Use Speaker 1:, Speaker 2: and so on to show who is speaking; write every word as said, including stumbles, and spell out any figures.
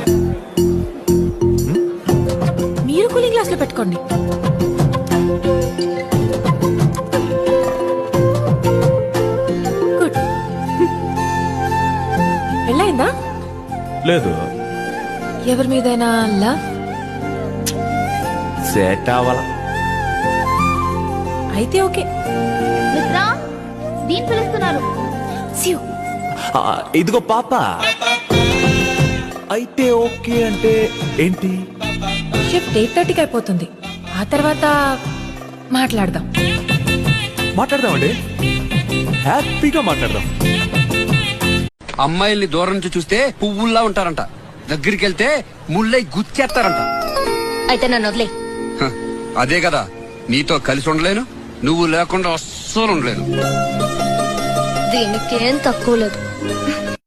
Speaker 1: మీరు cooling glass లో పెట్టుకోండి. గుడ్. పెళ్ళైందా?
Speaker 2: లేదు.
Speaker 1: ఎవరి మీదైనా లవ్?
Speaker 2: సెట్ అవ్వాల.
Speaker 1: అయితే ఓకే.
Speaker 3: మిత్రా, దీని పిలుస్తున్నారు.
Speaker 1: సియు.
Speaker 2: ఆ, ఇదిగో పాప. అయితే ఓకే అంటే ఏంటి?
Speaker 1: షిఫ్ట్ ఎయిట్ థర్టీకి అయిపోతుంది. ఆ తర్వాత మాట్లాడదాం.
Speaker 2: మాట్లాడదామండి, హ్యాపీగా మాట్లాడదాం.
Speaker 4: అమ్మాయిల్ని దూరం నుంచి చూస్తే పువ్వుల్లా ఉంటారంట, దగ్గరికి వెళ్తే ముళ్ళై గుచ్చేస్తారంట.
Speaker 3: అయితే నన్ను వదిలే.
Speaker 4: హ, అదే కదా, నీతో కలిసి ఉండలేను, నువ్వు లేకుండా అస్సలు ఉండలేను.
Speaker 3: దీనికేం తక్కువ లేదు.